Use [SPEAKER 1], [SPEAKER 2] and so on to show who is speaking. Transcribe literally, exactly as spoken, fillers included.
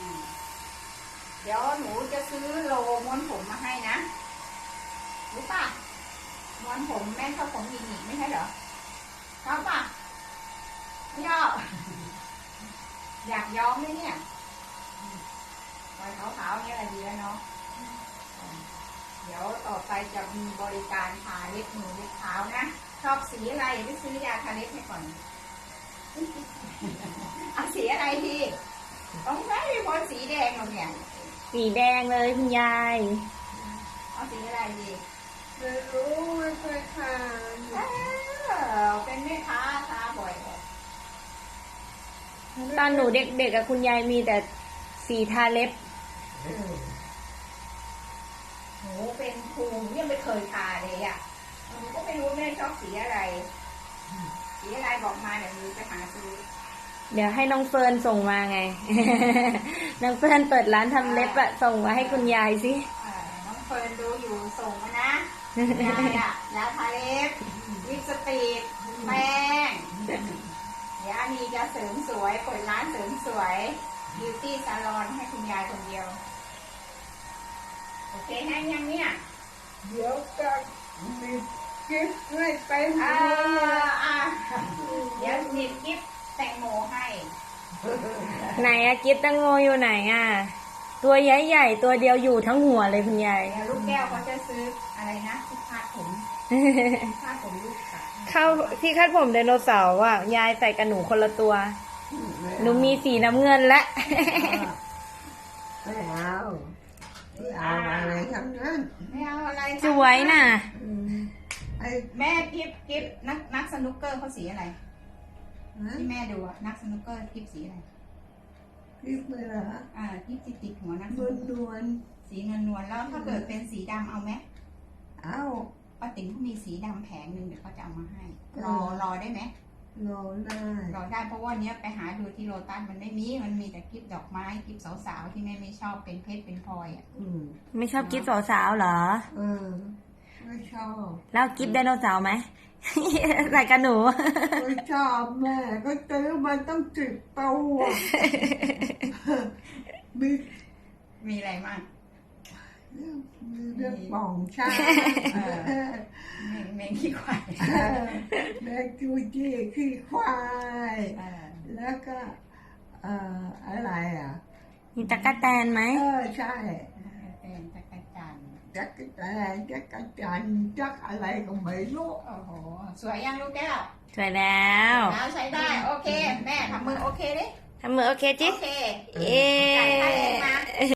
[SPEAKER 1] เดี๋ยวหนูจะซื้อโลม้วนผมมาให้นะรู้ป่ะม้วนผมแม่ชอบผมหนีบไม่ใช่เหรอชอบป่ะไม่ชอบอยากย้อมไหมเนี่ยปล่อยขาวๆเนี่ยอะไรดีแล้วเนาะเดี๋ยวต่อไปจะมีบริการทาเล็บมือเล็บเท้านะชอบสีอะไรไปซื้อยาทาเล็บให้ก่อนเอาสีอะไรดีต้องใช้เป็นคนสีแดงหรอเนี่ย
[SPEAKER 2] สีแดงเลยคุณยาย
[SPEAKER 1] เอาสีอะไรดี
[SPEAKER 3] ไม่รู้ไม่เคยทาน
[SPEAKER 1] เออเป็นแม่ค้าทาบ่อยเลย
[SPEAKER 2] ตอนหนูเด็กๆกับคุณยายมีแต่สีทาเล็บ
[SPEAKER 1] หนูเป็นครูยังไม่เคยทาเลยอ่ะหนูก็ไม่รู้แม่ชอบสีอะไรสีอะไรบอกมาเดี๋ยวหนูจะหาซื้อ
[SPEAKER 2] เดี๋ยวให้น้องเฟิร์นส่งมาไง น้องเฟิร์นเปิดร้านทำเล็บอะส่งมาให้คุณยายสิ
[SPEAKER 1] น้องเฟิร์นดูอยู่ส่งมานะยายอะยาทาเล็บลิปสติกแป้งเดี๋ยวมีจะเสริมสวยเปิดร้านเสริมสวยบิวตี้ซาลอนให้คุณยายคนเดียวโอเคให้ยังเนี่ย
[SPEAKER 3] เดี๋ยวจะมีกิ๊บให้ไปหา
[SPEAKER 1] อ่าเดี๋ยวหยิบกิ๊บแตงโมให้
[SPEAKER 2] ไหนอะกิ๊บตังโมอยู่ไหนอะตัวใหญ่ๆตัวเดียวอยู่ทั้งหัวเลยคุณยาย
[SPEAKER 1] เดี๋ยวลูกแก้วเขาจะซื้ออะไรนะที่คาดผมคาดผมลูกสาว
[SPEAKER 2] เข้าที่คาดผมไดโนเสาร์อะยายใส่กับหนูคนละตัวหนูมีสีน้ำเงินและ
[SPEAKER 3] ไม่เอาไม่เอาอะไรทั้งนั้น
[SPEAKER 1] ไม่เอาอะไร
[SPEAKER 2] สวยน่ะ
[SPEAKER 1] แม่กิ๊บกิ๊บนักนักสนุกเกอร์เขาสีอะไรที่แม่ดูอะนักสนุกเกอร์กิ๊บสีอะไร
[SPEAKER 3] กิ๊บเลยเหรอ
[SPEAKER 1] อ่ากิ๊บติดติดหัวนัก
[SPEAKER 3] นวลนวล
[SPEAKER 1] สีนวลนวลแล้วถ้าเกิดเป็นสีดำเอาไหม
[SPEAKER 3] เอา
[SPEAKER 1] ป้าติ๋งเขามีสีดำแผงหนึ่งเดี๋ยวเขาจะเอามาให้รอรอได้ไหม
[SPEAKER 3] รอได้
[SPEAKER 1] รอได้เพราะว่าเนี้ยไปหาดูที่โลตัสมันไม่มีมันมีแต่กิ๊บดอกไม้กิ๊บสาวๆที่แม่ไม่ชอบเป็นเพชรเป็นพลอยอ่ะ
[SPEAKER 2] ไม่ชอบกิ๊บสาวๆเหรอ
[SPEAKER 3] เออไม่ชอบ
[SPEAKER 2] แล้วกิ๊บไดโนเสาร์ไหมใส่กับหนู
[SPEAKER 3] ไม่ชอบแม่ก็ซื้อมันต้องสิบตัวมี
[SPEAKER 1] มีอะไรมั่ง
[SPEAKER 3] มีเรื่องป่องชา
[SPEAKER 1] เมงขี้ควาย
[SPEAKER 3] แมงจูจี้ขี้ควายแล้วก็อะไรอ่ะ
[SPEAKER 2] มีจักรแตนไหม
[SPEAKER 3] เออใช่
[SPEAKER 1] เป็นจักรจัน
[SPEAKER 3] จักรแตนจักรจันจักอะไรก็ไม่รู้
[SPEAKER 1] โอ้โหสวยยังลูกแก้ว
[SPEAKER 2] สวยแล้ว
[SPEAKER 1] แล้วใช้ได้โอเคแม่ทำมือโอเคดิ
[SPEAKER 2] ทำมือโอเคจิ
[SPEAKER 1] โอเค
[SPEAKER 2] เอ๊